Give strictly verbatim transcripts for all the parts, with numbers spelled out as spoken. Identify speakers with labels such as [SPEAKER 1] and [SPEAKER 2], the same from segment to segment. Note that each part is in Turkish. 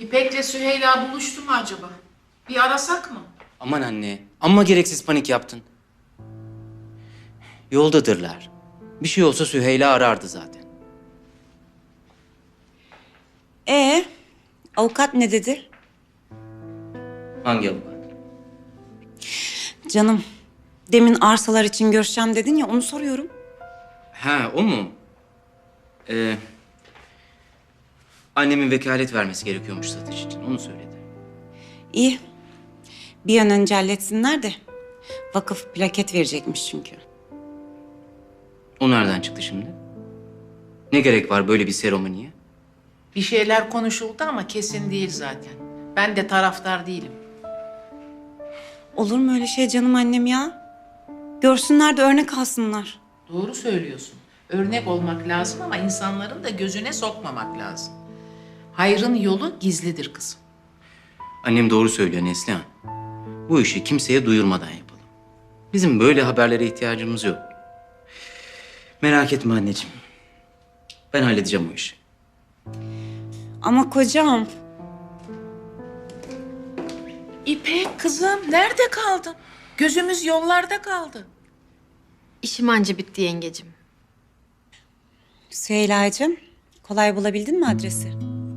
[SPEAKER 1] İpek'le Süheyla buluştu mu acaba? Bir arasak mı?
[SPEAKER 2] Aman anne, amma gereksiz panik yaptın. Yoldadırlar. Bir şey olsa Süheyla arardı zaten.
[SPEAKER 3] Ee, avukat ne dedi?
[SPEAKER 2] Hangi avukat?
[SPEAKER 3] Canım, demin arsalar için görüşeceğim dedin ya, onu soruyorum.
[SPEAKER 2] Ha, o mu? Ee, annemin vekalet vermesi gerekiyormuş satış için, onu söyledi.
[SPEAKER 3] İyi. Bir an önce halletsinler de. Vakıf plaket verecekmiş çünkü.
[SPEAKER 2] O nereden çıktı şimdi? Ne gerek var böyle bir seremoniye?
[SPEAKER 1] Bir şeyler konuşuldu ama kesin değil zaten. Ben de taraftar değilim.
[SPEAKER 3] Olur mu öyle şey canım annem ya? Görsünler de örnek alsınlar.
[SPEAKER 1] Doğru söylüyorsun. Örnek olmak lazım ama insanların da gözüne sokmamak lazım. Hayrın yolu gizlidir kızım.
[SPEAKER 2] Annem doğru söylüyor Neslihan. Bu işi kimseye duyurmadan yapalım. Bizim böyle haberlere ihtiyacımız yok. Merak etme anneciğim. Ben halledeceğim o işi.
[SPEAKER 3] Ama kocam,
[SPEAKER 1] İpek kızım nerede kaldın? Gözümüz yollarda kaldı.
[SPEAKER 4] İşim anca bitti yengecim.
[SPEAKER 3] Süheyla'cığım, kolay bulabildin mi adresi?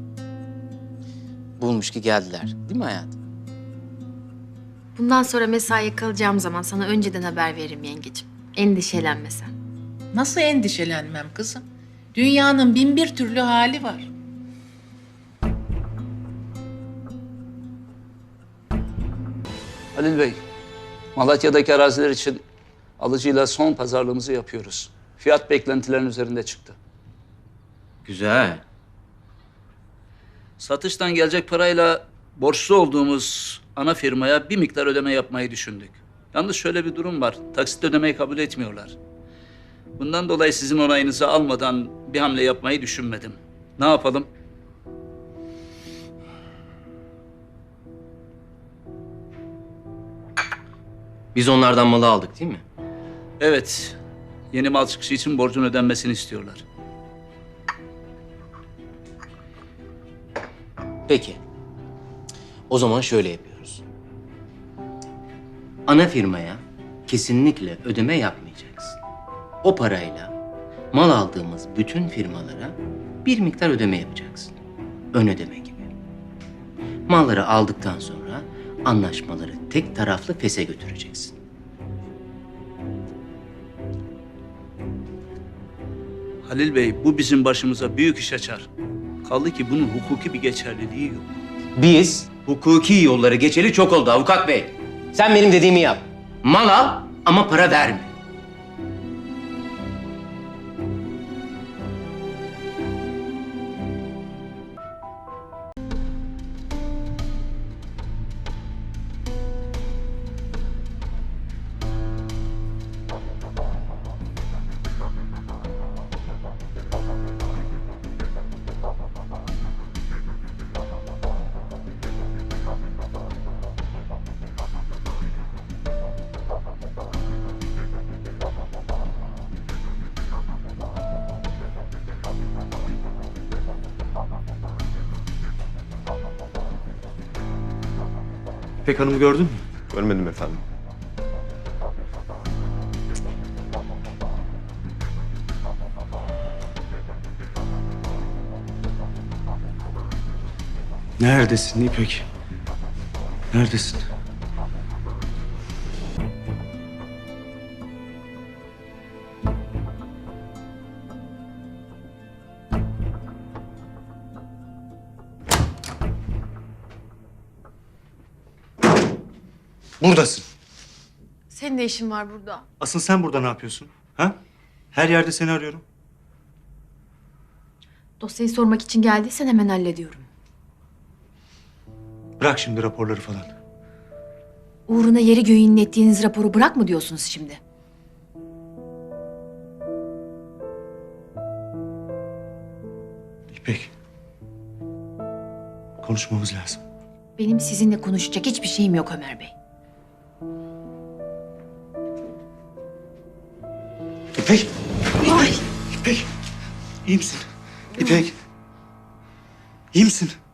[SPEAKER 2] Bulmuş ki geldiler. Değil mi hayatım?
[SPEAKER 4] Bundan sonra mesaiye kalacağım zaman sana önceden haber veririm yengecim. Endişelenme sen.
[SPEAKER 1] Nasıl endişelenmem kızım? Dünyanın bin bir türlü hali var.
[SPEAKER 5] Halil Bey, Malatya'daki araziler için alıcıyla son pazarlığımızı yapıyoruz. Fiyat beklentilerin üzerinde çıktı.
[SPEAKER 2] Güzel.
[SPEAKER 5] Satıştan gelecek parayla borçlu olduğumuz ana firmaya bir miktar ödeme yapmayı düşündük. Yalnız şöyle bir durum var, taksit ödemeyi kabul etmiyorlar. Bundan dolayı sizin onayınızı almadan bir hamle yapmayı düşünmedim. Ne yapalım?
[SPEAKER 2] Biz onlardan malı aldık değil mi?
[SPEAKER 5] Evet, yeni mal çıkışı için borcun ödenmesini istiyorlar.
[SPEAKER 2] Peki. O zaman şöyle yapıyoruz. Ana firmaya kesinlikle ödeme yapmayacaksın. O parayla mal aldığımız bütün firmalara bir miktar ödeme yapacaksın. Ön ödeme gibi. Malları aldıktan sonra anlaşmaları tek taraflı fese götüreceksin.
[SPEAKER 5] Halil Bey, bu bizim başımıza büyük iş açar. Kaldı ki bunun hukuki bir geçerliliği yok.
[SPEAKER 2] Biz hukuki yolları geçeli çok oldu avukat bey. Sen benim dediğimi yap. Mal al ama para verme.
[SPEAKER 6] İpek Hanım'ı gördün mü?
[SPEAKER 7] Görmedim efendim.
[SPEAKER 6] Neredesin İpek? Neredesin? Buradasın.
[SPEAKER 4] Senin de işin var burada.
[SPEAKER 6] Asıl sen burada ne yapıyorsun? Ha? Her yerde seni arıyorum.
[SPEAKER 4] Dosyayı sormak için geldiysen hemen hallediyorum.
[SPEAKER 6] Bırak şimdi raporları falan.
[SPEAKER 4] Uğruna yeri göğü inlettiğiniz raporu bırak mı diyorsunuz şimdi?
[SPEAKER 6] İpek. Konuşmamız lazım.
[SPEAKER 4] Benim sizinle konuşacak hiçbir şeyim yok Ömer Bey.
[SPEAKER 6] İpek!
[SPEAKER 4] Ay!
[SPEAKER 6] İpek! İyi misin? İpek! İyi misin?